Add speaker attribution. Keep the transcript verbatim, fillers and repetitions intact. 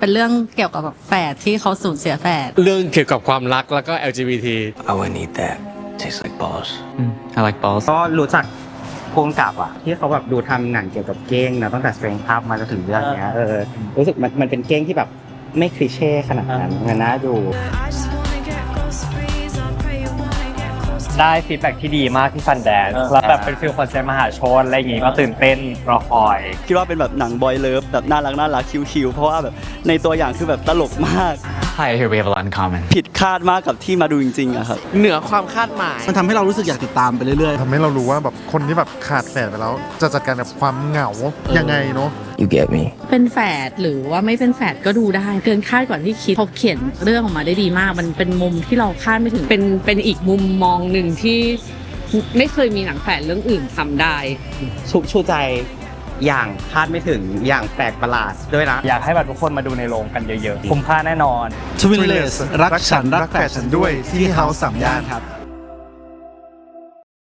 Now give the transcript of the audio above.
Speaker 1: เป็นเรื่องเกี่ยวกับแบบแฝดที่เขาสูญเสียแฝด
Speaker 2: เรื่องเกี่ยวกับความรักแล้วก็ แอล จี บี ที
Speaker 3: I wouldn't eat that. Tastes like balls.
Speaker 4: Mm, I like balls.
Speaker 5: ก็รู้จักภูมิกับอ่ะที่เขาแบบดูทำหนังเกี่ยวกับเก้งนะตั้งแต่ Strength Up มาจนถึงเรื่องเนี้ยเออรู้สึกมันมันเป็นเก้งที่แบบไม่คลีเช่ขนาดนั้นมันน่าดู
Speaker 6: ได้ฟีดแบ็กที่ดีมากที่ฟันแดนแล้วแบบเป็นฟิลคอนเสิร์ตมหาชนอะไรอย่างงี้ก็ตื่นเต้นรอคอย
Speaker 7: คิดว่าเป็นแบบหนังบอยเลิฟแบบน่ารักน่ารักคิวๆเพราะว่าแบบในตัวอย่างคือแบบตลกมาก
Speaker 4: Hi, I hear we have a lot in common.
Speaker 7: ผิดคาดมากกับที่มาดูจริงๆอะครับ
Speaker 8: เหนือความคาดหมาย
Speaker 9: มันทำให้เรารู้สึกอยากติดตามไปเรื่อยๆ
Speaker 10: ทำให้เรารู้ว่าแบบคนที่แบบขาดแฝดไปแล้วจะจัดการกับความเหงายังไงเนาะ
Speaker 3: You get me.
Speaker 1: เป็นแฝดหรือว่าไม่เป็นแฝดก็ดูได้เกินคาดกว่าที่คิดเขาเขียนเรื่องออกมาได้ดีมากมันเป็นมุมที่เราคาดไม่ถึงเป็นเป็นอีกมุมมองหนึ่งที่ไม่เคยมีหนังแฝดเรื่องอื่นทำได้
Speaker 5: ชุบชูใจอย่างคาดไม่ถึงอย่างแปลกประหลาดด้วยนะ
Speaker 6: อยากให้แบบทุกคนมาดูในโรงกันเยอะๆคุ้มค่าแน่นอน
Speaker 9: Twinless รักฉันรักแฝดฉันด้วยที่เฮาส์สามย่านครับ